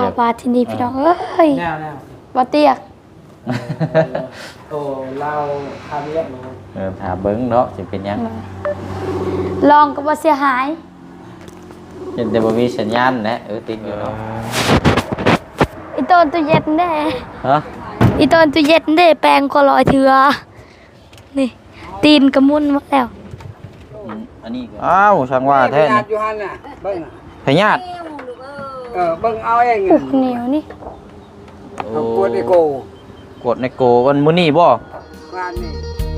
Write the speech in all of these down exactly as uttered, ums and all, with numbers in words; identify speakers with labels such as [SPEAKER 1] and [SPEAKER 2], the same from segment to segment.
[SPEAKER 1] าบาที่นี่พี่น้องเอ้ย
[SPEAKER 2] แนวแนว
[SPEAKER 1] บ่เตียก
[SPEAKER 2] โอ้เราทำเรียบร้อย
[SPEAKER 3] เออถามเบิ้งเนาะสิเป็นยัง
[SPEAKER 1] ลองก็บ่เสียหาย
[SPEAKER 3] เห็นแต่บ่มีสัญญาณนะเออติดอยู่เนาะ
[SPEAKER 1] อีต้นตู้เย็นเด้
[SPEAKER 3] ฮะ
[SPEAKER 1] อีต้นตู้เย็นเด้แปลงก็ลอยเถือนี่ตีนกระมุนหมดแล้ว
[SPEAKER 3] อันนี้อ้าวช่างว่าแท้นี่
[SPEAKER 2] อยู่หั่นน่ะเบิ่ง
[SPEAKER 3] พญาติ
[SPEAKER 2] เออเบิ่งเอาเอง
[SPEAKER 1] ปุกเหนียวนี่
[SPEAKER 2] กวดไอโก
[SPEAKER 3] กดในโกวันมื้อนี้บ่
[SPEAKER 2] งานนี้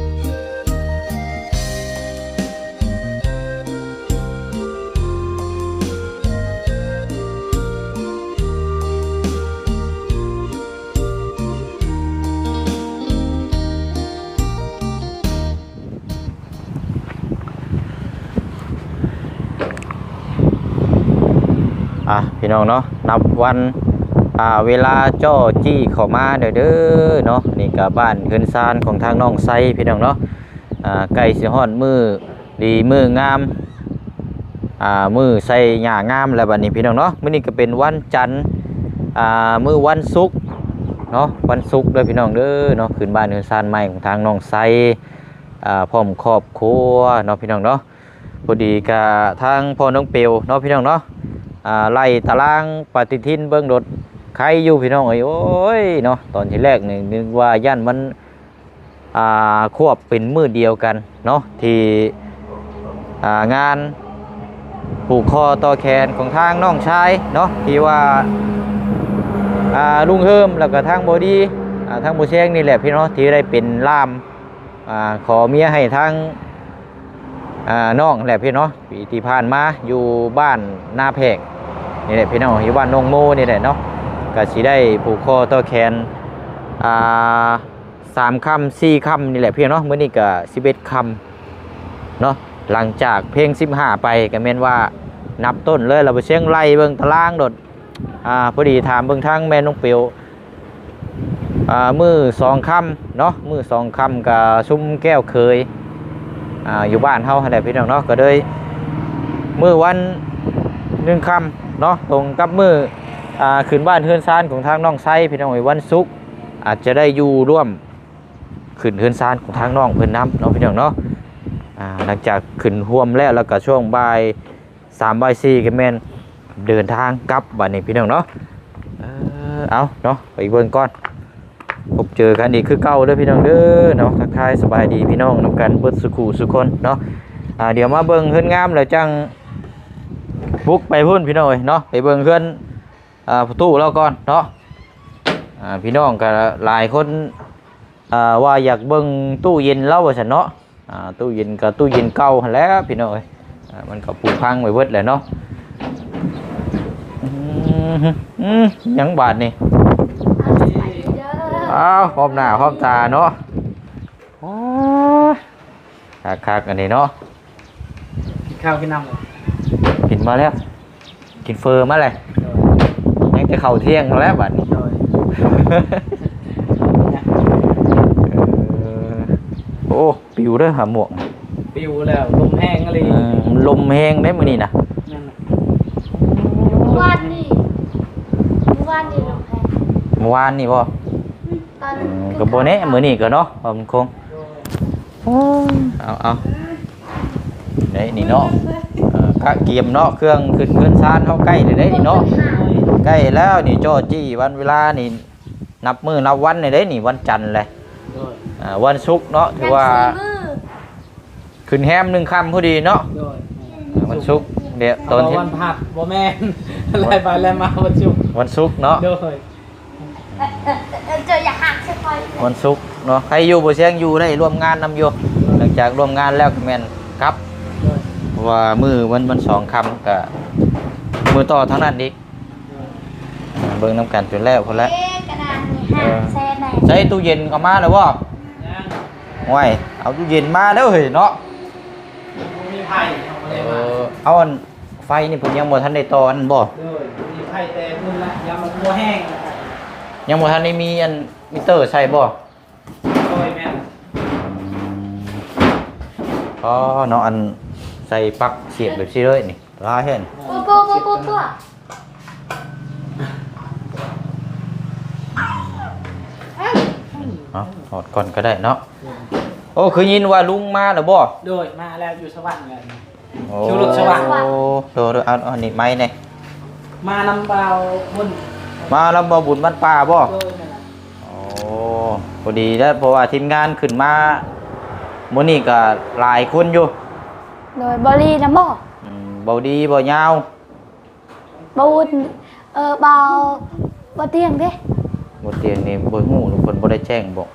[SPEAKER 3] อ่ะพี่น้องเนาะนับวันอ่าเวลาจ้อจี้เข้ามาเด้อเด้อเนาะนี่ก็บ้านเฮือนซานของทางน้องไซพี่น้องเนาะอ่าใกล้สิฮอดมื้อดีมื้องามอ่ามื้อใส่หญ้างามแล้วบัดนี้พี่น้องเนาะมื้อนี้ก็เป็นวันจันทร์อ่ามื้อวันศุกร์เนาะวันศุกร์เด้อพี่น้องเด้อเนาะขึ้นบ้านเฮือนซานใหม่ของทางน้องไซอ่าพร้อมครอบครัวเนาะพี่น้องเนาะพอดีก็ทางพ่อน้องเปียวเนาะพี่น้องเนาะอ่าไล่ตารางปฏิทินเบิ่งรถใครอยู่พี่น้องเอ้ยโอ้ยเนาะตอนที่แรกนี่นึกว่าย่านมันอ่าควบเป็นมือเดียวกันเนาะที่อ่างานผูกคอต่อแขนของทางน้องชายเนาะที่ว่าอ่าลุงเฮิมแล้วก็ทางบอดี้อ่าทางบูเชงนี่แหละพี่น้องที่ได้เป็นล่ามอ่าขอเมียให้ทางอ่าน้องแหละพี่น้องปีที่ผ่านมาอยู่บ้านนาแพกนี่แหละพี่น้องอยู่บ้านนงโมนี่แหละเนาะก็สิได้ผูกคอต่อแขนอ่าสามคำสี่คำนี่แหละพี่น้องมื้อนี้ก็สิบเอ็ดคำเนาะหลังจากเพลงสิบห้าไปก็แม่นว่านับต้นเลยเราไปเชียงไล่เบิ่งตารางโดดอ่าพอดีถามเบิ่งทางแม่น้องเปียวอ่ามือสองคำเนาะมือสองคำกับซุ้มแก้วเคยอ่าอยู่บ้านเฮาอะไรพี่น้องเนาะก็เลยมือวันหนึ่งคำเนาะตรงกับมืออ่าขึ้นบ้านเฮือนซานของทางน้องไซพี่น้องวันศุกร์อาจจะได้อยู่ร่วมขึ้นเฮือนซานของทางน้องเพิ่นน้ำเนาะพี่น้องเนาะอ่าหลังจากขึ้นห่วมแล้วแล้วก็ช่วงบ่ายสามบ่ายสี่ก็แม่นเดินทางกลับบ้านนี้พี่น้องเนาะเออเอาเนาะไปเบิ่งก่อนพบเจอกันอีกคือเก่าเด้อพี่น้องเด้อเนาะทักทายสบายดีพี่น้องนำกันเบิดสุขุสุคนเนาะอ่าเดี๋ยวมาเบิ่งเฮือนงามแล้วจังบุกไปพุ่นพี่น้องเนาะไปเบิ่งเฮือนอ่าประตูเราก่อนเนาะอ่าพี่น้องก็หลายคนอ่าว่าอยากเบิ่งตู้เย็นเล่าว่าซั่นเนาะอ่าตู้เย็นก็ตู้เย็นเก่าหั่นแหล้วพี่น้องเอ้ยอ่ามันก็ผุพังไว้เบิดแหละเนาะอืมอืมยังบาดนี่อ้าวพร้อมหน้าพร้อมตาเนาะโอ้ยคักๆอันนี้เนาะ
[SPEAKER 2] กินข้าวกินน้ำเลย
[SPEAKER 3] กินมาแล้วกินเฟอร์มาเลยยังจะเข่าเที่ยงมาแล้วบัดนี้โอ้ปิวเด้อหาหมวก
[SPEAKER 2] ปิวแล้วลมแห้งอะไร
[SPEAKER 3] ลมแห้งได้มื้อนี้นะ
[SPEAKER 1] เมื่อวานนี่เมื่อวานนี่ลมแห้ง
[SPEAKER 3] เมื่อวานนี่บ่ก็บ่แน่มื้อนี้ก็เนาะบ่มันคงเอาเอาได้นี่เนาะกะเกียมเนาะเครื่องขึ้นเงินซานเฮาใกล้ได้นี่เนาะใกล้แล้วนี่จ้อจี้วันเวลานี่นับมื้อนับวันนี่เด้นี่วันจันทร์แหละอ่าวันศุกร์เนาะถือว่าขึ้นแฮมหนึ่งค่ำพอดีเนาะวันศุกร์เดี๋ยวตอนที่
[SPEAKER 2] วันผัดบ่แม่นอะไรไปแล้วมาวันศุกร์
[SPEAKER 3] วันศุกร์เนาะ
[SPEAKER 1] เจออยากหักใช่ไหม
[SPEAKER 3] วันศุกร์เนาะใครอยู่บ่เสียงอยู่ได้ร่วมงานนำอยู่หลังจากร่วมงานแล้วก็แม่นครับว่ามือวันวันสองคำกับมือต่อทั้งนั้นอีกเบิ่งน้ำกันจนแล้วพอแล้วใช้ตู้เย็นเอามาแล้วบ่ห่วยเอาตู้เย็นมาแล้วเฮ้ยเนาะ
[SPEAKER 2] มีไฟ
[SPEAKER 3] เอาอันไฟนี่ผมยังบ่ทันได้ต่ออันบ่
[SPEAKER 2] มีไฟแต่พุ่นละยามันบ่แห้ง
[SPEAKER 3] ยังบ่ทันได้มีอันมิเตอร์ใช่บ่
[SPEAKER 2] โอ้ยแม่น
[SPEAKER 3] อ๋อเนาะอันใส่ปลั๊กเสียบแบบนี้เลยนี่ลาเห็น
[SPEAKER 1] ปุ๊บปุ๊บปุ๊บปุ๊บ
[SPEAKER 3] เนาะถอดก่อนก็ได้เนาะโอ้คือยินว่าลุงมาแล้วบ่
[SPEAKER 2] โดยมาแล้วอยู่สวรรค์เลย
[SPEAKER 3] โอ้
[SPEAKER 2] คิวรถสว่าง
[SPEAKER 3] โอ้โดดเอาเอานี่ไม้นี่
[SPEAKER 2] มานำเบาบุญ
[SPEAKER 3] มาแล้วบ่บุญบ้านป่าบ่
[SPEAKER 2] โดยนั่นน่ะ
[SPEAKER 3] โอ้พอดีแล้วเพราะว่าทีมงานขึ้นมามื้อนี้ก็หลายคนอยู่
[SPEAKER 1] โดยบริน้ำบ่
[SPEAKER 3] อืมเบาดีบ่ยาว
[SPEAKER 1] บ่อุ่นเออเบาบ่เตียงเด้
[SPEAKER 3] บ่เตียงนี่บ่ฮู้ทุกคนบ่ได้แจ้งบอก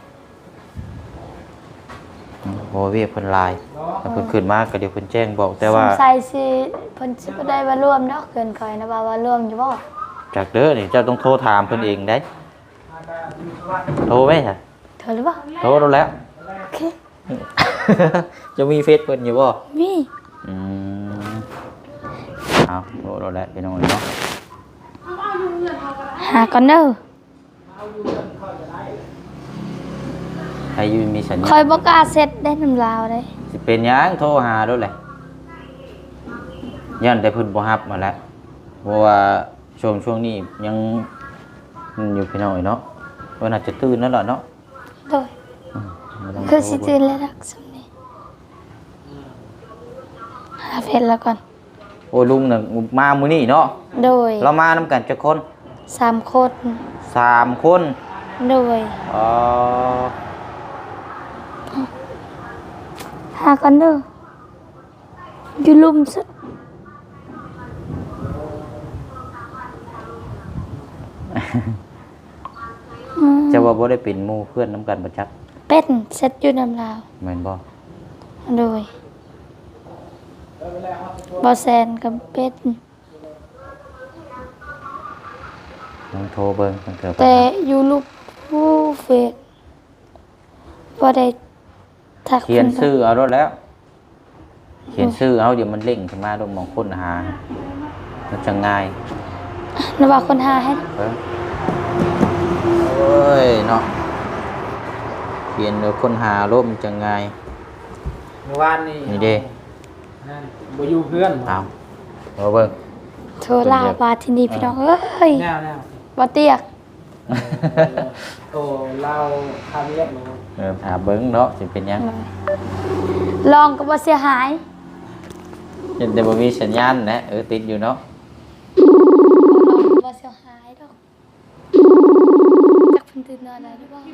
[SPEAKER 3] อืมบ่เวียกเพิ่นหลายถ้าเพิ่นขึ้นมาก็เดี๋ยวเพิ่นแจ้งบอกแต่ว่า
[SPEAKER 1] สงสัยสิเพิ่นสิบ่ได้มาร่วมเนาะเกินคอยนะว่าว่าร่วมอยู่บ่
[SPEAKER 3] จากเด้อนี่เจ้าต้องโทรถามเพิ่นเองได้โทรไหมฮะ
[SPEAKER 1] เธอหรือเปล่า
[SPEAKER 3] โทรแล้วแล้ว
[SPEAKER 1] โอเค
[SPEAKER 3] จะมีเฟซเพิ่นอยู่บ่
[SPEAKER 1] มี
[SPEAKER 3] อืมเอาโทรแล้วพี่น้องเนาะ
[SPEAKER 1] หาก่อนเด้อ
[SPEAKER 3] ใครอยู่มีสัญญา
[SPEAKER 1] คอย
[SPEAKER 3] ณ
[SPEAKER 1] บ่กล้าเซ็ตได้น้ำลาวเด้
[SPEAKER 3] สิเป็นหยังโทรหาด้วยแหละยันแต่เพิ่นบ่รับมาแล้วเพราะว่าช่วงช่วงนี้ยังมันอยู่พี่น้องเนาะว่าน่าจะตื่นแล้วล่ะเนาะ
[SPEAKER 1] โดย
[SPEAKER 3] อืมบ่ต้ง
[SPEAKER 1] คือสิ
[SPEAKER 3] โทร
[SPEAKER 1] ตื่นแล้วรักสำนี้หาเฟซแล้วก่อน
[SPEAKER 3] โอ้ลุงน่ะมามื้อนี้เนาะ
[SPEAKER 1] โดย
[SPEAKER 3] เรามานำกันจักคน
[SPEAKER 1] สามคน
[SPEAKER 3] สามคน
[SPEAKER 1] โดย
[SPEAKER 3] อ๋อ
[SPEAKER 1] หากันเด้ออยู่ลุมสุดอืม
[SPEAKER 3] จะว่าบ่ได้เป็นหมู่เพื่อนนํกันบ่จัก
[SPEAKER 1] เป็นเซ็ตอยู่น้ำลาว
[SPEAKER 3] แม่นบ่
[SPEAKER 1] โดยบอแซนกับเป็ด
[SPEAKER 3] ลองโทรเบิ่งมันเกิดปัญ
[SPEAKER 1] แต่
[SPEAKER 3] หา
[SPEAKER 1] อยู่ลูกผู้เฟซบ่ได้ทัก
[SPEAKER 3] เขียน
[SPEAKER 1] พิ่
[SPEAKER 3] ชื่อเอารถแล้ว เขียนชื่อเอาเดี๋ยวมันเร่งขึ้นมาลงมองค้นหามันจะง่าย
[SPEAKER 1] ระว่าคนหาให้
[SPEAKER 3] เออโอ้ยเนาะเขียนเดี๋ยวค้นหาโลกมันจะง่าย
[SPEAKER 2] เมื่อวานนี่
[SPEAKER 3] นี่เด้
[SPEAKER 2] นั่นบ่อยู่เพื่อน
[SPEAKER 3] เอาเอาเบิ่ง
[SPEAKER 1] โทรลาบาที่นี่พี่น้องเอ้ย
[SPEAKER 2] แนวแนว
[SPEAKER 1] บ่เตียก
[SPEAKER 2] โอ้เราทำเรียบร้อย
[SPEAKER 3] เออหาเบิ่งเนาะสิเป็นหยัง
[SPEAKER 1] ลองก็บ่เสียหาย
[SPEAKER 3] เห็นแต่บ่มีสัญญาณนะเออติดอยู่เนาะ
[SPEAKER 1] ลองก็บ่เสียหายดอกจักเพิ่นตื่นนอนแล้วหรือเปล่า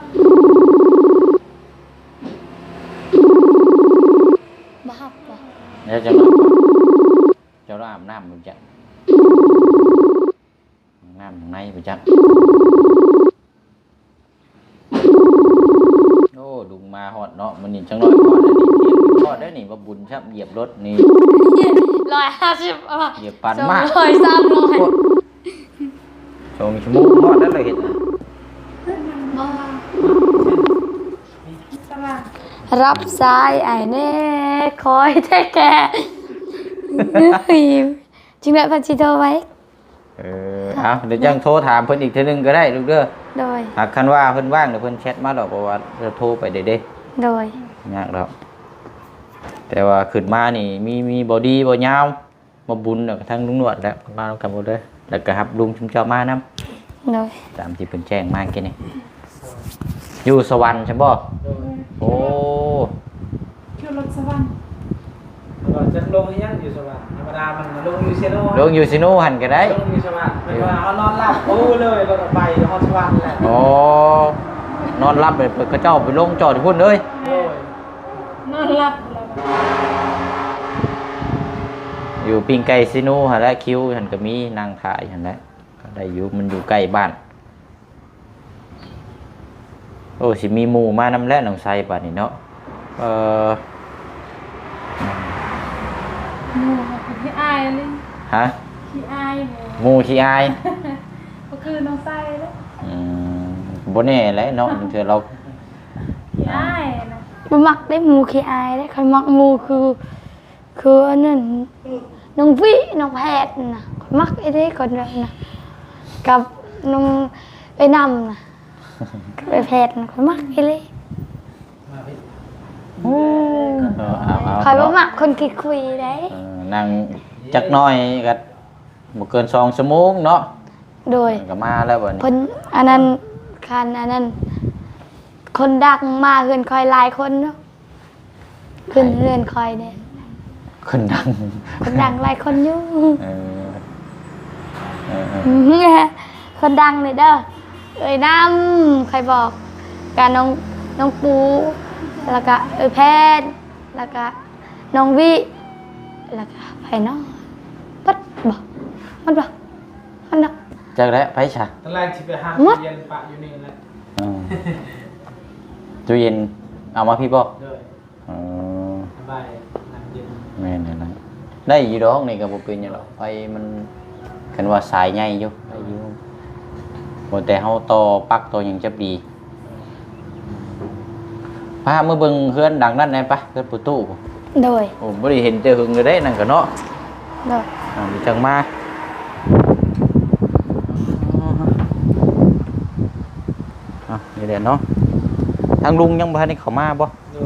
[SPEAKER 1] บ่ฮับบ่
[SPEAKER 3] เดี๋ยวจะมาเจ้าเราอาบน้ำบ่จักน้ำข้างในบ่จักโอ้ดุงมาฮอดเนาะมื้อนี้จังน้อยฮอดแล้วนี่เที่ยงฮอดแล้วนี่มาบุญครับเหยียบรถนี่
[SPEAKER 1] ร้อยห้าสิบอ่ะ
[SPEAKER 3] เหยียบปันมาก
[SPEAKER 1] สองร้อยสามร้อย
[SPEAKER 3] ชมชั่วโมงฮอดแล้วเลยเห็นน่ะ
[SPEAKER 1] รับสายไอ้เน่คอยแท้แกเฮ้ยจริงๆพันชิโทรไว้
[SPEAKER 3] เออเอาเดี๋ยวจังโทรถามเพิ่นอีกเทื่อนึงก็ได้ลูกเด้อ
[SPEAKER 1] โดย
[SPEAKER 3] หากคันว่าเพิ่นว่างเดี๋ยวเพิ่นแชทมาดอกเพราะว่าเราโทรไปเด้เด้
[SPEAKER 1] โดย
[SPEAKER 3] ยากดอกแต่ว่าขึ้นมานี่มีมีบ่ดีบ่ยาวมาบุญแล้วก็ทั้งลุงนวดแล้วมานํกันหมดเลยแล้วก็รับลุงชุมเจ้ามานํ
[SPEAKER 1] โดย
[SPEAKER 3] ตามที่เพิ่นแจ้งมาเมื่อกี้นี่อยู่สวรรค์ใช่บ่
[SPEAKER 2] โดย
[SPEAKER 3] โอ้
[SPEAKER 4] คือรถสวรรค์
[SPEAKER 2] ก่อนจะลงยังอยู่สวรรค์ธรรมดามันลงอยู่เซโน่
[SPEAKER 3] ลงอยู่ซิโนหันก็ได้
[SPEAKER 2] ลงอยู่สวรรค์เป็นว่าเขานอนหลับโอ้เลยเราก็ไปฮอดสวรรค์แหละ
[SPEAKER 3] อ๋อนอนรับเลยเพิ่นก็เจ้าไปลงจอดอยู่พุ่นเลย
[SPEAKER 2] โอ้ย
[SPEAKER 4] นอนหลับแล้วก็
[SPEAKER 3] อยู่ปิงไก่ซิโนหั่นแหละคิวหั่นก็มีนั่งถ่ายหั่นแหละก็ได้อยู่มันอยู่ใกล้บ้านโอ้สิมีหมู่มานำแล้วหนองไสป่านนี้เนาะเอ่อ
[SPEAKER 4] หมูค่ะขี้อายเลย
[SPEAKER 3] ฮะ
[SPEAKER 4] ขี้อายหมู
[SPEAKER 3] หมู่ขี้อาย
[SPEAKER 4] ก็คือน้องไส้เลย
[SPEAKER 3] อืมบ่แน่แหละเนาะเทื่อเรา
[SPEAKER 4] ขี้อายนะ
[SPEAKER 1] บ่มักได้หมูขี้อายได้ใครมักหมูคือคืออันนั้นน้องวิน้องแพทย์น่ะข้อยมักไอ้เด้คนนั้นน่ะกับน้องไอ้นำน่ะกับไอ้แพทย์น่ะข้อยมักไอ้เลย
[SPEAKER 2] มาพี่
[SPEAKER 3] เออเอาเอา
[SPEAKER 1] ข้อยบ่มักคนขี้คุยได้
[SPEAKER 3] เออนั่งจักหน่อยก็บ่เกินสองชั่วโมงเนาะ
[SPEAKER 1] โดย
[SPEAKER 3] ก็มาแล้วบัดนี้
[SPEAKER 1] เพิ่นอันนั้นคันอันนั้นคนดังมาเฮือนคอยหลายคนเนาะขึ้นเฮือนคอยเนี่ย
[SPEAKER 3] คนดัง
[SPEAKER 1] คนดังหลายคนอยู่
[SPEAKER 3] เออเออเออ
[SPEAKER 1] คนดังเลยเด้อเอ้ยน้ำใครบอกการน้องน้องปูแล้วก็เอ้ยแพทย์แล้วก็น้องวิแล้วก็ไผ่น้องปัดบอกมันบอกมันบอก
[SPEAKER 3] จักแล้วไปซะ
[SPEAKER 2] ตอนแรกที่ไปห้าง
[SPEAKER 1] มด
[SPEAKER 2] เย็นปะอยู่นี่แหละ
[SPEAKER 3] อืมตู้เย็นเอามาพี่บ่
[SPEAKER 2] ด้วย
[SPEAKER 3] อ๋อ
[SPEAKER 2] สบายน้ำเย็น
[SPEAKER 3] แม่นนั่นนะได้อยู่ดอกนี่ก็บ่เป็นหยังหรอกไฟมันกันว่าสายใหญ่อยู่ได้อยู่บ่แต่เฮาต่อปลั๊กต่อหยังจะดีพามาเบิ่งเฮือนดังนั้นได้ปะเฮือนประตู
[SPEAKER 1] โดย
[SPEAKER 3] โอ้บ่ได้เห็นแต่หึงเลยเด้นั่นก็เนาะ
[SPEAKER 1] โดย
[SPEAKER 3] อ่ามีจังมาอ่ะนี่แหละเนาะทางลุงยังบ่ทันได้เข้ามาบ่
[SPEAKER 2] ด้วย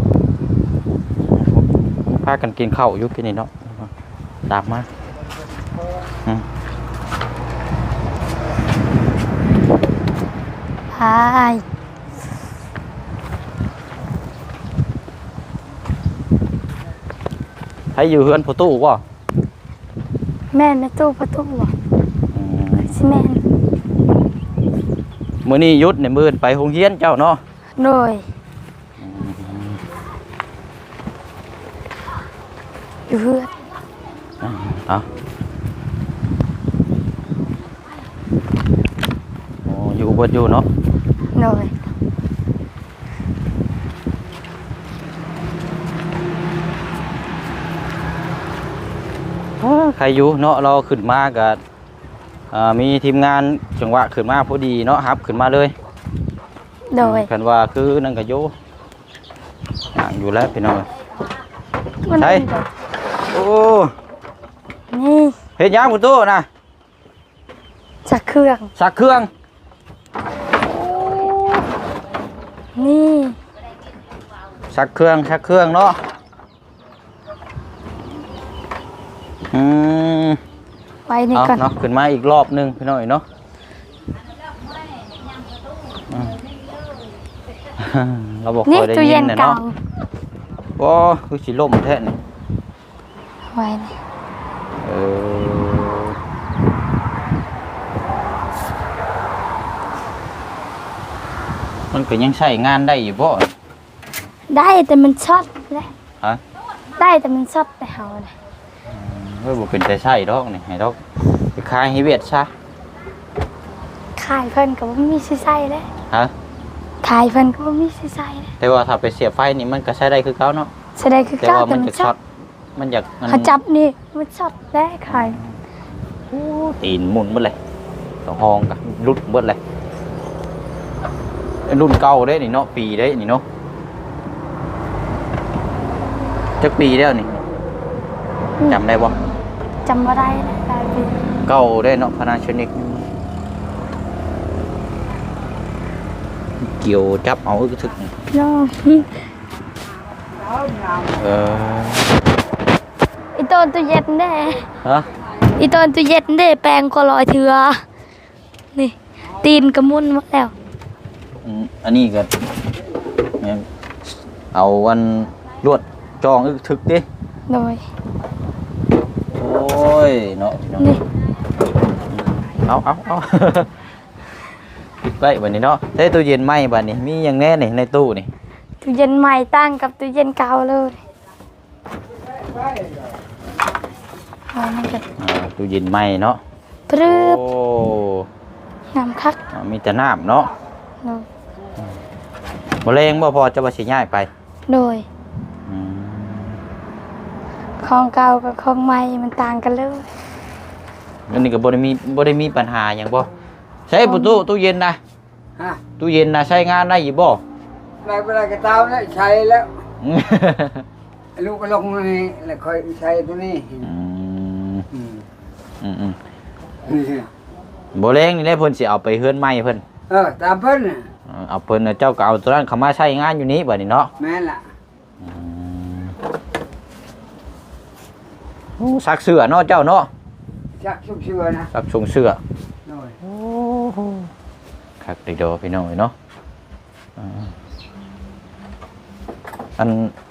[SPEAKER 3] พากันกินข้าวอยู่กินนี่เนาะตามมาอืม
[SPEAKER 1] พาย
[SPEAKER 3] ให้อยู่เฮือนประตูบ่
[SPEAKER 1] แม่ในตู้ประตูบ่
[SPEAKER 3] อืม
[SPEAKER 1] สิแม่น
[SPEAKER 3] มื้อนี้หยุดในมื้อไปโรงเรียนเจ้าเนาะ
[SPEAKER 1] โดยอยู่เฮือน
[SPEAKER 3] เอาโอ้อยู่เบิดอยู่เนาะ
[SPEAKER 1] โดย
[SPEAKER 3] ใครอยู่เนาะเราขึ้นมาก็อ่ามีทีมงานจังหวะขึ้นมาพอดีเนาะครับขึ้นมาเลย
[SPEAKER 1] โดย
[SPEAKER 3] คันว่าคือนั่นก็อยู่ห่างอยู่แล้วพี่น้อง
[SPEAKER 1] มัน
[SPEAKER 3] ใช่
[SPEAKER 1] เป็นแบบ
[SPEAKER 3] โอ้
[SPEAKER 1] นี่
[SPEAKER 3] เฮ็ดหยังประตูนะ
[SPEAKER 1] จักเครื่อง
[SPEAKER 3] สักเครื่อง
[SPEAKER 1] นี่
[SPEAKER 3] สักเครื่องสักเครื่องเนาะอืม
[SPEAKER 1] ไว้นี่
[SPEAKER 3] เอา
[SPEAKER 1] ก่อน
[SPEAKER 3] เนาะขึ้นมาอีกรอบหนึงพี่น้องเนาะอืมเราบอก
[SPEAKER 1] นี่
[SPEAKER 3] คอยได้
[SPEAKER 1] ตู้
[SPEAKER 3] ยิ
[SPEAKER 1] เย็
[SPEAKER 3] น
[SPEAKER 1] น
[SPEAKER 3] น่ะ
[SPEAKER 1] เก่า
[SPEAKER 3] เนาะว้าคือสิล่มแท้นี่
[SPEAKER 1] ไว้นี่
[SPEAKER 3] เออมันก็ยังใช้งานได้อยู่บ่
[SPEAKER 1] ได้แต่มันช็อตเลย
[SPEAKER 3] ฮะ
[SPEAKER 1] ได้แต่มันช็อตแต่เฮาเลย
[SPEAKER 3] เฮ้ยบ่เป็นแต่ใช้ดอกนี่ให้ดอกไปขายให้เวียดซะ
[SPEAKER 1] ขายเพิ่นก็บ่มีสิใส่เลย
[SPEAKER 3] ฮะ
[SPEAKER 1] ขายเพิ่นก็บ่มีสิใส่เลย
[SPEAKER 3] แต่ว่าถ้าไปเสียบไฟนี่มันก็ใช้ได้คือเก่าเนาะ
[SPEAKER 1] แสดงคือ
[SPEAKER 3] แต่
[SPEAKER 1] เก้า
[SPEAKER 3] ว่า
[SPEAKER 1] แต่
[SPEAKER 3] มัน
[SPEAKER 1] มัน
[SPEAKER 3] จะ
[SPEAKER 1] ช็
[SPEAKER 3] ช็
[SPEAKER 1] อ
[SPEAKER 3] อ
[SPEAKER 1] ต
[SPEAKER 3] ตมันอยากมัน
[SPEAKER 1] เขาจับนี่มันช็อตได้ขาย
[SPEAKER 3] ตีนหมุนเบิดเลยต่อห้องกะรุดเบิดเลยไอ้รุ่นเก่าเด้นี่เนาะปีเด้นี่เนาะจักปีแล้วนี่จำได้บ่
[SPEAKER 1] จำบ่ได้นะหลายปี
[SPEAKER 3] เก่าได้เนาะพนาชนิกเกี่ยวจับเอาอึกทึก
[SPEAKER 1] เนาะ
[SPEAKER 3] เออ
[SPEAKER 1] อีต้นตู้เย็นเด้
[SPEAKER 3] ฮะ
[SPEAKER 1] อีต้นตู้เย็นเด้แปลงก็ลอยเถือนี่ตีนกระมุนหมดแล้ว
[SPEAKER 3] อืมอันนี้ก็เนี่ยเอาวันลวดจองอึกทึกดิ
[SPEAKER 1] โดย
[SPEAKER 3] โอ้ยเนาะพี่น้อง
[SPEAKER 1] นี่
[SPEAKER 3] เอาเอาเอา ปิดไว้บัดนี้เนาะใช้ตู้เย็นไหมบัดนี้มีอย่างแน่นี่ในตู้นี่
[SPEAKER 1] ตู้เย็นใหม่ตั้งกับตู้เย็นเก่าเลยเอานั่นกัน
[SPEAKER 3] อ่าตู้เย็นไหมเนาะ
[SPEAKER 1] ปรึบ
[SPEAKER 3] โอ้
[SPEAKER 1] น้ำคัก
[SPEAKER 3] อ่ามีแต่น้ำเนาะ
[SPEAKER 1] โดย
[SPEAKER 3] มะเร็งบ่พอจะมาสิย้ายไป
[SPEAKER 1] โดย
[SPEAKER 3] อืม
[SPEAKER 1] ของเก่ากับของใหม่มันต่างกันเลย
[SPEAKER 3] อันนี้ก็บ่ได้มีบ่ได้มีปัญหาหยังบ่ใช้ประตูตู้เย็นนะ
[SPEAKER 2] ฮะ
[SPEAKER 3] ตู้เย็นนะใช้งานได้อยู่บ่
[SPEAKER 2] ได้เวลากระเตาแล้วใช้แล้วลูกก็ลงนี่แล้วค่อยใช้ตัวนี้
[SPEAKER 3] อืม
[SPEAKER 2] อืม
[SPEAKER 3] อืมอืมบ่แรงนี่แหละเพิ่นสิเอาไปเฮือนใหม่เพิ่น
[SPEAKER 2] เออตามเพิ่นน่ะ
[SPEAKER 3] เออเอาเพิ่นน่ะเจ้าก็เอาตัวนั้นเข้ามาใช้งานอยู่นี้บัดนี้เนาะ
[SPEAKER 2] แม่นล่ะ
[SPEAKER 3] อืมโอ้ซักเสื้อเนาะเจ้าเนาะ
[SPEAKER 2] ชักชุบเชื่อนะ
[SPEAKER 3] ซักชงเสื้อ
[SPEAKER 2] โดย
[SPEAKER 3] คักได้ดอพี่น้องเอ้ยเนาะอ่าอัน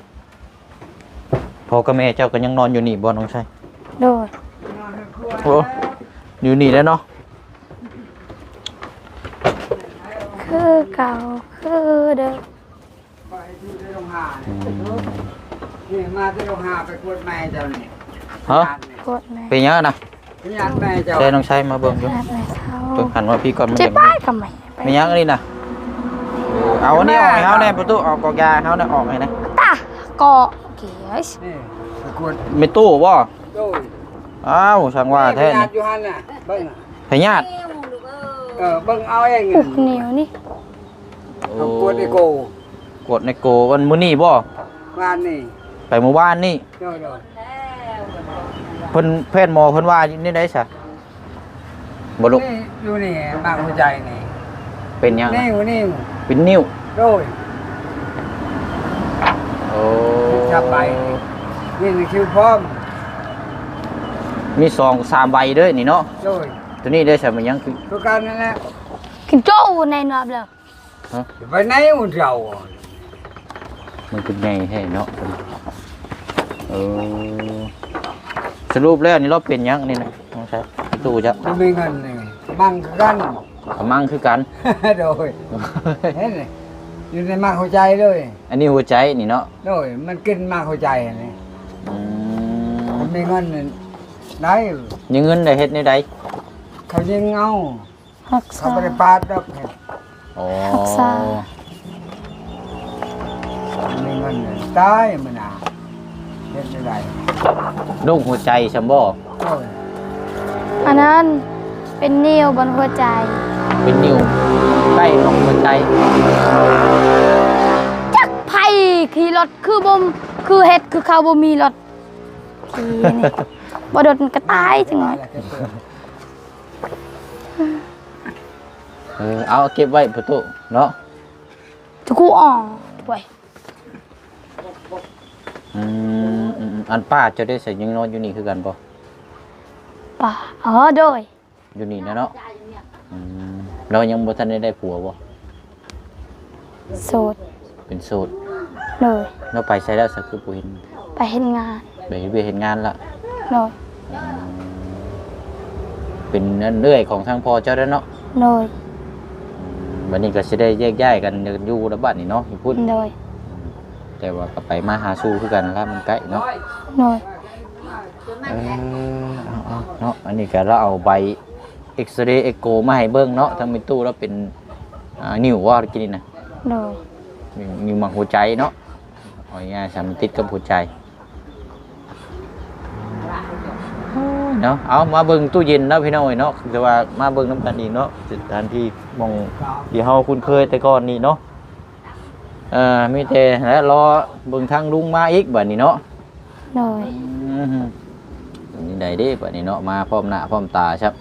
[SPEAKER 3] พ่อกับแม่เจ้าก็ยังนอนอยู่นี่บ่น้องชาย
[SPEAKER 1] โดย
[SPEAKER 3] โอ้อยู่นี่แล้วเนาะ
[SPEAKER 1] คือเก่าคือเดิม
[SPEAKER 2] ไปอยู่ในโรงหานี่มาที่โรงหาไปกวดแม่เจ้านี่
[SPEAKER 3] ฮะ
[SPEAKER 1] กดแม่
[SPEAKER 3] เป็นยังนะ
[SPEAKER 2] พยานแม่เจ้า
[SPEAKER 3] ใช่น้องชายมาเบิ่งอยู่
[SPEAKER 1] แม่แม่เท้า
[SPEAKER 3] เบิ่งหันว่าพี่ก่อนมัน
[SPEAKER 1] เจ็บ
[SPEAKER 3] ยัง
[SPEAKER 1] ป้ายกับแม่ไป
[SPEAKER 3] เป็นยังอันนี้นะเออเอาอันนี้ออกให้เฮาแน่ประตูออกกอกยาให้เฮาน่ะออกให้นะ
[SPEAKER 1] ตาเกาะเกียส
[SPEAKER 2] นี่ไปกวด
[SPEAKER 3] ไม่ตู้บ่
[SPEAKER 2] โดย
[SPEAKER 3] อ้าวช่างว่าแท้
[SPEAKER 2] พยา
[SPEAKER 3] นี่
[SPEAKER 2] นอยู่หันน่ะเบิ่งน่ะ
[SPEAKER 3] พญาติ
[SPEAKER 2] เออเบิ่งเอาเอง
[SPEAKER 1] อุกเหนียวนี่
[SPEAKER 2] เขากวดไอ้โก
[SPEAKER 3] กดในโกวันมื้อนี้บ่
[SPEAKER 2] งานนี่
[SPEAKER 3] ไปเมื่อวานนี่
[SPEAKER 2] โดยโดย
[SPEAKER 3] เพิ่นแพทย์หมอเพิ่นว่านี่ได้ซะบ่ลุก
[SPEAKER 2] นี่อยู่นี่บางหัวใจนี่
[SPEAKER 3] เป็นยัง
[SPEAKER 2] นี่อยู่นี่
[SPEAKER 3] เป็นนิ้ว
[SPEAKER 2] โดย
[SPEAKER 3] โอ้
[SPEAKER 2] จับไปนี่นี่คิวพร้อม
[SPEAKER 3] มีสองสามใบเด้อนี่เนาะ
[SPEAKER 2] โดย
[SPEAKER 3] ตัวนี้ได้ซะมันยังคือ
[SPEAKER 2] คือการนั่นแหละ
[SPEAKER 1] กินโจ้ในนอบเลย
[SPEAKER 3] ฮะ
[SPEAKER 2] ไปไหนอุ่นเรา
[SPEAKER 3] มันเป็นไงให้เนาะเออสรุปแล้วนี่เราเป็นยังนี่นะน้องชายตู้จะ
[SPEAKER 2] จะมีเงินนี่บังคือกัน
[SPEAKER 3] กำมังคือกัน
[SPEAKER 2] โดยเห็นไหมอยู่ในมากหัวใจเลย
[SPEAKER 3] อันนี้หัวใจนี่เนาะ
[SPEAKER 2] โดยมันกินมากหัวใจอันนี้
[SPEAKER 3] อื
[SPEAKER 2] มั
[SPEAKER 3] ม
[SPEAKER 2] นมีเงินนี่ได้
[SPEAKER 3] ยังเงินได้เฮ็ดในใด
[SPEAKER 2] เขายิงเอา
[SPEAKER 1] รัก
[SPEAKER 2] เขา
[SPEAKER 1] ษา
[SPEAKER 2] ไม่ได้ปาดดอก
[SPEAKER 3] อ๋อ
[SPEAKER 1] รักษา
[SPEAKER 2] มันมีเงินนี่ตายมันอ่ะเฮ็ดไม่ได้
[SPEAKER 3] โรคหัวใจซัมบ่
[SPEAKER 2] โอ้ย
[SPEAKER 1] อันนั้นเป็นนิ้วบนหัวใจ
[SPEAKER 3] เป็นนิ้วใกล้ของหัวใจ
[SPEAKER 1] จักไผ่ขี่รถคือบ่มคือเฮ็ดคือเขาบ่มีรถขี่นี่ บ่โดนกระต่ายจังหน่อย
[SPEAKER 3] เออเอาเก็บไว้ประตูเนาะ
[SPEAKER 1] จะกูอ่อนด้วย
[SPEAKER 3] อืมอืมอันป้าเจะได้ใส่ยังนอนอยู่นี่คือกันบ่
[SPEAKER 1] ป่าเออโดย
[SPEAKER 3] อยู่นี่นะเนาะอืมเรายังบ่ทันได้ได้ผัวบ่
[SPEAKER 1] โสด
[SPEAKER 3] เป็นโสด
[SPEAKER 1] โดย
[SPEAKER 3] เราไปใช้แล้วสักคือบ่เห็น
[SPEAKER 1] ไปเฮ็ดงาน
[SPEAKER 3] ไปเฮ็ดเวียกเฮ็ดงานละ
[SPEAKER 1] โดย
[SPEAKER 3] เป็นอันเรื่อยของทางพ่อเจ้าแล้วเนาะ
[SPEAKER 1] โดย
[SPEAKER 3] วันนี้ก็สิได้แยกย้ายกันอยู่แล้วบัดนี้เนาะอยู่พุ่น
[SPEAKER 1] โดย
[SPEAKER 3] แต่ว่าก็ไปมาหาสู่คือกันแล้วมันใกล้เนาะ
[SPEAKER 1] โดย
[SPEAKER 3] เออเอาเอาเนาะอันนี้ก็เราเอาใบเอ็กซเรย์เอ็กโกมาให้เบิ่งเนาะทั้งมีตู้แล้วเป็นอ่านิ้วว่ากินนี่นะ
[SPEAKER 1] โดย
[SPEAKER 3] นิ้วมังหัวใจเนาะเอาง่ายๆสามนติดกับหัวใจเนาะเอามาเบิ่งตู้เย็นเนาะพี่น้อยเนาะแต่ว่ามาเบิ่งน้ำกันอีกเนาะสถานที่มองที่เฮาคุ้นเคยแต่ก่อนนี่เนาะเอ่อมีแต่แล้วรอเบิ่งทางลุงมาอีกบัดนี้เนาะ
[SPEAKER 1] โดย
[SPEAKER 3] อืมนี่ใดเด้บัดนี้เนาะมาพร้อมหน้าพร้อมตาครับ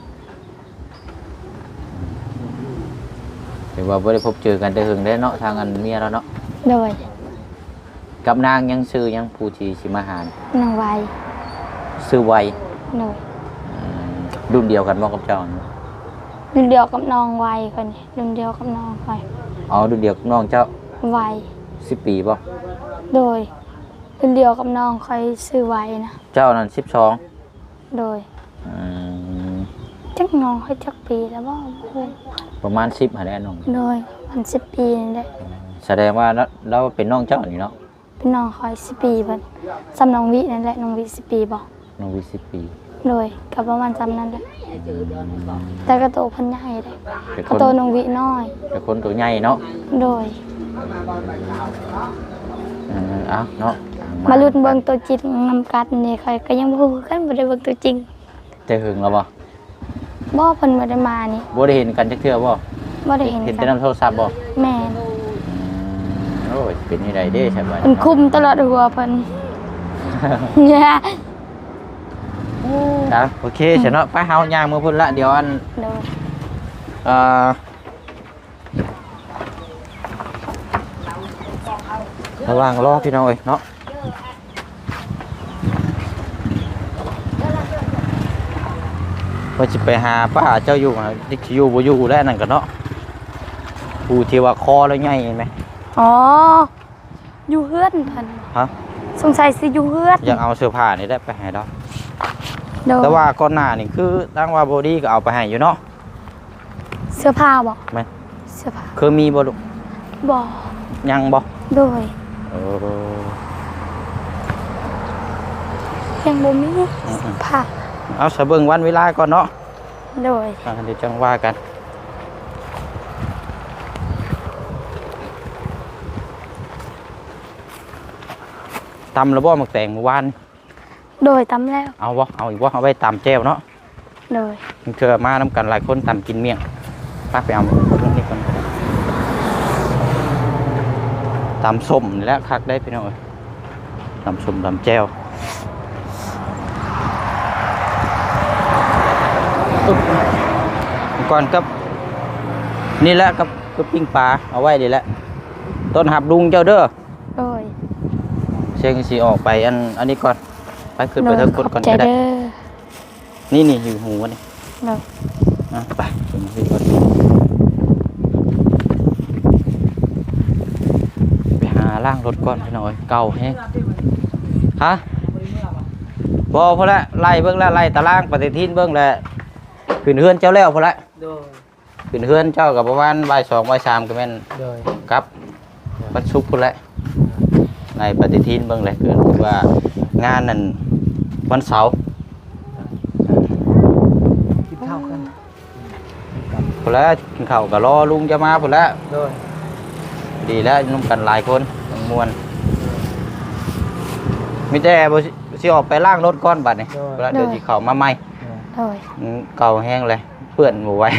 [SPEAKER 3] ถือว่าบ่ได้พบเจอกันแต่หึงได้เนาะทางอันเมียแล้วเนาะ
[SPEAKER 1] โดย
[SPEAKER 3] กับนางยังชื่อยังผู้ที่สิมาหาร
[SPEAKER 1] นางไว
[SPEAKER 3] ชื่อไว
[SPEAKER 1] โดย
[SPEAKER 3] อืมรุ่นเดียวกันบ่กับเจ้าเนาะ
[SPEAKER 1] รุ่นเดียวกับน้องไวคนนี้รุ่นเดียวกับน้องไว
[SPEAKER 3] อ๋อรุ่นเดียวกับน้องเจ้า
[SPEAKER 1] ไว
[SPEAKER 3] สิบปีบ่
[SPEAKER 1] โดยรุ่นเดียวกับน้องคอยซื้อไวนะ
[SPEAKER 3] เจ้านั่นสิบสอง
[SPEAKER 1] โดย
[SPEAKER 3] อืม
[SPEAKER 1] จักน้องให้จักปีแล้วบ่โอ้ย
[SPEAKER 3] ประมาณสิบหาได้น้อง
[SPEAKER 1] โดยมันสิบปีนี่แหละ
[SPEAKER 3] แสดงว่าเราเราเป็นน้องเจ้านี่เนาะ
[SPEAKER 1] เป็นน้องคอยสิบปีเพิ่นซ้ำน้องวินั่นแหละน้องวิสิบปีบ่
[SPEAKER 3] น้องวิสิบปี
[SPEAKER 1] โดยกับประมาณซ้ำนั้นแหละ
[SPEAKER 3] อืม
[SPEAKER 1] แต่กระโตเพิ่นใหญ่เลย
[SPEAKER 3] เป็น
[SPEAKER 1] ก
[SPEAKER 3] ค
[SPEAKER 1] ระ
[SPEAKER 3] น
[SPEAKER 1] โตน้องวิน้อย
[SPEAKER 3] เป็นคนตัวใหญ่เนาะ
[SPEAKER 1] โดย
[SPEAKER 3] อืมเอ้าเนาะ
[SPEAKER 1] มาลุ้นเบิ่งตัวจริงนำกันนี่คอยก็ยังบ่ฮู้คือกันบ่ได้เบิ่งตัวจริง
[SPEAKER 3] จะหึงแล้วบ่
[SPEAKER 1] บ่เพิ่นบ่ได้มานี่
[SPEAKER 3] บ่ได้เห็นกันจักเทื่อบ่
[SPEAKER 1] บ่ได้เห็น
[SPEAKER 3] เห็น
[SPEAKER 1] กั
[SPEAKER 3] แต่
[SPEAKER 1] น
[SPEAKER 3] นำโทรศัพท์บ่
[SPEAKER 1] แม่น
[SPEAKER 3] โอ้ยเป็นยังไงเด้ใช่ไหม
[SPEAKER 1] เพิ่นคุมตลอดหัวเพิ่น เนี่ย
[SPEAKER 3] นะโอเคฉันเนาะไปเฮาย่างมือพุ่นละเดี๋ยวอัน
[SPEAKER 1] โดย
[SPEAKER 3] เอ่อระหว่างรอพี่น้องเอ้ยเนาะว่าจะไปหาป้าเจ้าอยู่นะที่อยู่บ่อยู่แล้วนั่นก็เนาะผู้ที่ว่าคอแล้วใหญ่เห็นไหม
[SPEAKER 1] อ๋ออยู่เฮือนเพิ่น
[SPEAKER 3] ฮะ
[SPEAKER 1] สงสัยสิอยู่เฮือน
[SPEAKER 3] อยากเอาเสื้อผ้านี่ได้ไปให้ดอก
[SPEAKER 1] โดย
[SPEAKER 3] แต่ว่าก่อนหน้านี่คือตั้งว่าบอดี้ก็เอาไปให้อยู่เนาะ
[SPEAKER 1] เสื้อผ้าบ่
[SPEAKER 3] แม่น
[SPEAKER 1] เสื้อผ้า
[SPEAKER 3] คือมีบ่ลูก
[SPEAKER 1] บ่
[SPEAKER 3] ยังบ่
[SPEAKER 1] โดย
[SPEAKER 3] เออ
[SPEAKER 1] ยังบ่มีเสื้อผ้า
[SPEAKER 3] เอาสะเบิ่งวันเวลาก่อนเนาะ
[SPEAKER 1] โดย
[SPEAKER 3] อ่าเดี๋ยวจังว่ากันตำแล้วบ่หมักแตงเมื่อวาน
[SPEAKER 1] โดยตำแล้ว
[SPEAKER 3] เอาบ่เอาอีกบ่เอาไว้ตำแจ่วเนาะ
[SPEAKER 1] โดย
[SPEAKER 3] เธอมาน้ำกันหลายคนตำกินเมี่ยงป้าไปเอาตรงนี้ก่อนก็ได้ตำส้มนี่แหละคักได้พี่น้องเอ้ยตำส้มตำแจ่วอุ๊บก่อนกับนี่แหละกับกับปิ้งปลาเอาไว้ดีแหละต้นหับลุงเจ้าเด้อ
[SPEAKER 1] โดย
[SPEAKER 3] เชียงสีออกไปอันอันนี้ก่อนไปขึ้นไป
[SPEAKER 1] โดย
[SPEAKER 3] เทิง
[SPEAKER 1] ข
[SPEAKER 3] ก
[SPEAKER 1] อ
[SPEAKER 3] ด
[SPEAKER 1] บ
[SPEAKER 3] ก่อน
[SPEAKER 1] ใจ
[SPEAKER 3] ก็ได้
[SPEAKER 1] เด้อ
[SPEAKER 3] นี่นี่อยู่หูนี่
[SPEAKER 1] โดย
[SPEAKER 3] อ่ะไปขึ้นไปก่อนไปหาล่างรถก่อนพี่น้อยเก่าแฮงฮะบอพอละไล่เบิ้งแล้วไล่ตารางปฏิทินเบิ้งแล้วขึ้นเฮือนเจ้าแล้วพอละ
[SPEAKER 2] โดย
[SPEAKER 3] ขึ้นเฮือนเจ้ากับประมาณบ่ายสองบ่ายสามก็แม่น
[SPEAKER 2] โดย
[SPEAKER 3] ครับวันศุกร์พุ่นแหละในปฏิทินเบิ่งเลยคือว่างานนั่นวันเสาร์
[SPEAKER 2] กินข้าวกัน
[SPEAKER 3] พุ่นแล้วกินข้าวก็รอลุงจะมาพุ่นแล้ว
[SPEAKER 2] โดย
[SPEAKER 3] ดีแล้วนุ่มกันหลายคนต้องมวนมีแต่บ่สิสิออกไปล้างรถก่อนบัดนี้เวลาเดี๋ยวสิเข้ามาใหม่
[SPEAKER 1] โดย
[SPEAKER 3] อืมเก่าแห้งเลยเปื้อนบ่ไหว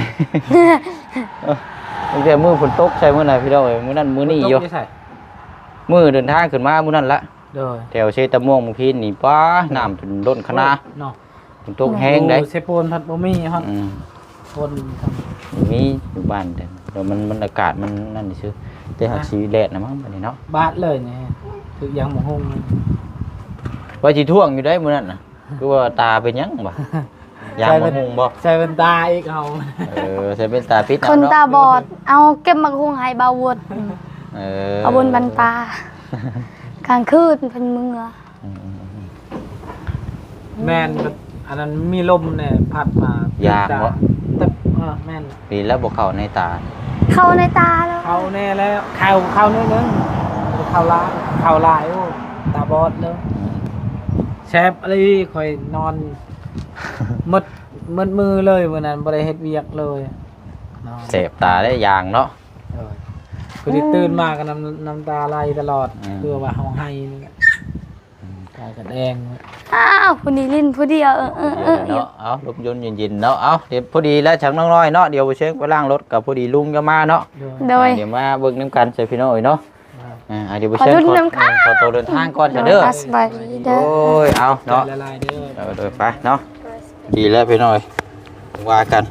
[SPEAKER 3] ตั้งแต่มื้อฝนตกใช่มื้อไหนพี่น้องเอ้ยมื้อนั้นมื้อนี้อยู่มื้อเดินทางขึ้นมามื้อนั้นละ
[SPEAKER 2] โดย
[SPEAKER 3] แถวเชตะม่วงบางทีนี่ป้าน้ำจนล้นคณะ
[SPEAKER 2] เนาะ
[SPEAKER 3] ฝนตกแห้งได้
[SPEAKER 2] เซโปนพัดบ่มีฮอด
[SPEAKER 3] อืม
[SPEAKER 2] คนทำ
[SPEAKER 3] มีอยู่บ้านแต่เดี๋ยวมันมันอากาศมันนั่นซื่อแต่หากสีแดดนะมั้งบัดนี้เนาะ
[SPEAKER 2] บาดเลยเนี่ยคือยังหมูฮง
[SPEAKER 3] ว่าสิท่วงอยู่ได้มื้อนั้นน่ะคือว่าตาเป็นหยังบ่ยามบ่ฮงบ่
[SPEAKER 2] ใส่เป็นตาอีกเอา
[SPEAKER 3] เออใส่เป็นตาพิษ
[SPEAKER 1] คน
[SPEAKER 3] เนาะ
[SPEAKER 1] ตาบอด เอาเก็บมาคุงให้บาวด
[SPEAKER 3] เออ
[SPEAKER 1] เอาบนบันตา กลางคืนเพิ่นเมือ
[SPEAKER 3] อืม
[SPEAKER 2] แม่นอันนั้นมีลมเนี่ยพัดมาย
[SPEAKER 3] างบ่
[SPEAKER 2] ตึบเออแม่น
[SPEAKER 3] ปีแล้วบ่เข้าในตา
[SPEAKER 1] เข้าในตาแล้ว
[SPEAKER 2] เข้าแน่แล้วเข้าเข้านิดนึงเข้าลายเข้าลายโอ้ตาบอดแล้วแซบอะไรคอยนอนมดมดมือเลยวันนั้นบ่ได้เฮ็ดเวียกเลยนอน
[SPEAKER 3] เสพตาได้ยางเนาะ
[SPEAKER 2] เออคือที่ตื่นมาก็น้ำน้ำตาไหลตลอด
[SPEAKER 3] อืม
[SPEAKER 2] เพื่อว่าเฮาให้นี่แหละตายกันแดง
[SPEAKER 1] อ้าวผู้นี้ลิ้นผู้เดียวเออเออเออ
[SPEAKER 3] เนาะเอาลมยนต์เย็นๆเนาะเอาเดี๋ยวพอดีแล้วฉันน้องน้อยเนาะเดี๋ยวไปเช็คไปล้างรถกับพอดีลุงจะมาเนาะ
[SPEAKER 2] ด้วย
[SPEAKER 1] โดย
[SPEAKER 3] เดี๋ยวมาเบิ่งน้ำกันใส่พี่น้อยเนาะอ่าเดี๋ยวไป
[SPEAKER 1] ขอ
[SPEAKER 3] เช็ค
[SPEAKER 1] รุ่น
[SPEAKER 3] ก่อน
[SPEAKER 1] น้ำค่ะ
[SPEAKER 3] ขอตัวเดินทางก่อนจะเด้อ
[SPEAKER 1] สบายดีเด้
[SPEAKER 3] โอ้
[SPEAKER 1] อย
[SPEAKER 3] เอาเนาะ
[SPEAKER 2] ละลายเด้อ
[SPEAKER 3] เออเดินไปเนาะดีแล้วพี่น้อยว่ากัน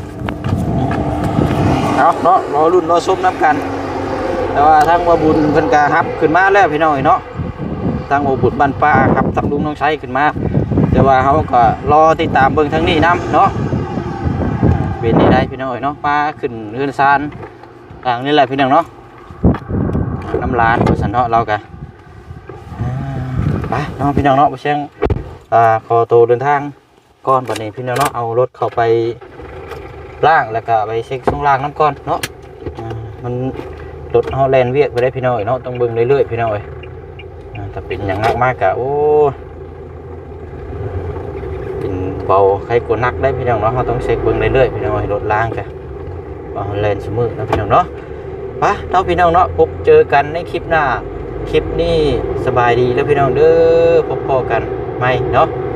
[SPEAKER 3] เอาเนาะรอรุ่นรอซุ้มน้ำกัน แต่ว่าทางว่าบุญเพิ่นกะฮับขึ้นมาแล้วพี่น้อยเนาะทางว่าบุญบ้านป้าครับทำลุงน้องใช้ขึ้นมาแต่ว่าเขาก็รอติดตามเบิ่งทางนี้นํเนาะเป็นนี่ได้พี่น้อยเนาะป้าขึ้นเรือนซานทางนี้แหละพี่น้องเนาะน้ำร้านสันเนาะเรากะไปเนาะพี่น้องเนาะไปเชียงอ่าขอตัวเดินทางก่อนบัดนี้พี่น้องเนาะเอารถเข้าไปล่างแล้วก็ไปเช็คช่วงล่างน้ำก่อนเนาะอ่ามันรถเฮาแลนเวียกไปได้พี่น้อยเนาะต้องเบิ่งเรื่อยๆพี่น้อยอ่าถ้าเป็นอย่างมากมากกะโอ้เป็นเบาใครกดนักได้พี่น้องเนาะเฮาต้องเช็คเบิ่งเรื่อยๆพี่น้อยรถล่างกะว่าเฮาแลนเสมอนะพี่น้องเนาะไปเนาะพี่น้องเนาะพบเจอกันในคลิปหน้าคลิปนี้สบายดีแล้วพี่น้องเด้อพบพอกันไหมเนาะ